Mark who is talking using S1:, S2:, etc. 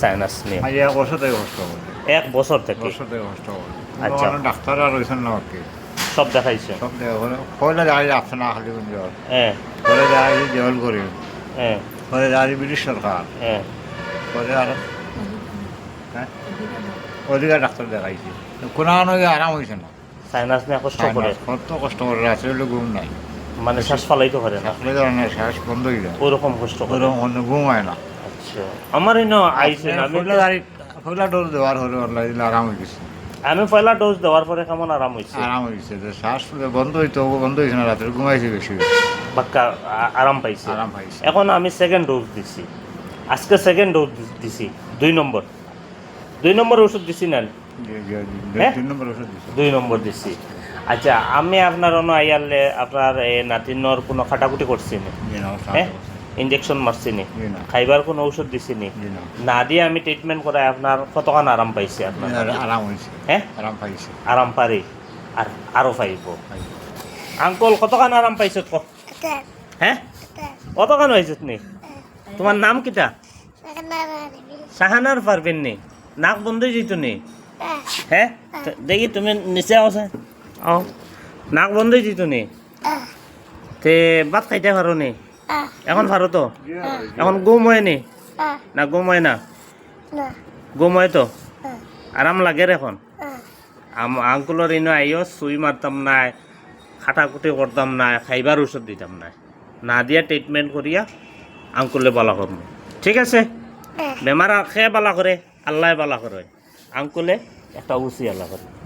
S1: Sinus নিয়ে
S2: আজ 1 বছর থেকে কষ্ট করে
S1: 1 বছর থেকে।
S2: কষ্ট করে।
S1: আচ্ছা।
S2: ডাক্তার আর রয়েছেন না আর কি
S1: সব দেখাইছে?
S2: সব দেখা করে পয়লা দেখা যায় আসছে না খালি জ্বর
S1: হ্যাঁ
S2: পরে দেখা যায় জল করে
S1: হ্যাঁ
S2: পরে দেখা যায় ব্রিটিশ সরকার
S1: হ্যাঁ।
S2: পরে আর হ্যাঁ অধিকার ডাক্তার দেখাইছে কোনো আরাম হয়েছে না
S1: সাইনাস নিয়ে কষ্ট করে,
S2: কত কষ্ট করে রাত্রে হলে ঘুম নাই
S1: মানে শ্বাস ফালাইতে পারে না,
S2: আসলে ধরনের শ্বাস বন্ধ হয়ে যায়
S1: ওরকম কষ্ট করে।
S2: ওরকম অন্য ঘুম হয় না
S1: আচ্ছা, আমার এনে আইছে না,
S2: পয়লা ডোজ দেওয়ার হলে আরাম হয়ে গেছে
S1: আমি পয়লা ডোজ দেওয়ার পরে কেমন আরাম হয়েছে,
S2: আরাম হয়েছে যে শ্বাস বন্ধ হইতো বন্ধ হয়েছে না রাত্রে ঘুমাইছে বেশি
S1: বাক্কা আরাম পাইছে।
S2: আরাম পাইছে
S1: এখন আমি সেকেন্ড ডোজ দিছি, আজকে সেকেন্ড ডোজ দিছি, 2 নম্বর ওষুধ দিছি না? হ্যাঁ?
S2: 2 নম্বর ওষুধ দিছে
S1: 2 নম্বর দিছি। আচ্ছা, আমি আপনার অন্য আইয়ারলে আপনার নাতিনর কোনো খাটাকুটি করছি না? হ্যাঁ, ইঞ্জেকশন মারছি নি? খাইবার কোনো ঔষধ দিছি নি? না দিয়ে আমি ট্রিটমেন্ট করাই আপনার কতক্ষণ আরাম পাইছে আপনার?
S2: আরাম হয়েছে
S1: হ্যাঁ,
S2: আরাম পাইছে
S1: আরাম পারি আর আরও পাইব। আঙ্কল কতক্ষণ আরাম পাইছ? হ্যাঁ, কতক্ষণ হয়েছে নি? তোমার নাম কিটা? শাহানার পারবেন নি? নাক বন্ধ যেত নি? হ্যাঁ, দেখি তুমি নিচে আসে নাক বন্ধ যেত নি? তে ভাত খাইতে পারো নি? এখন পারো তো? এখন ঘুম হয় নি? না ঘুম হয় না? ঘুম হয় তো? আরাম লাগে এখন? আঙ্কুলের এনে আইও সুই মারতাম না, খাটাকুটি করতাম না, খাইবার ওষুধ দিতাম না, না দিয়া ট্রিটমেন্ট করিয়া আঙ্কুলে বালা করব। ঠিক আছে? বেমার খেয়ে বালা করে, আল্লাহ বালা করে, আঙ্কুলে একটা উচি আল্লাহ করে।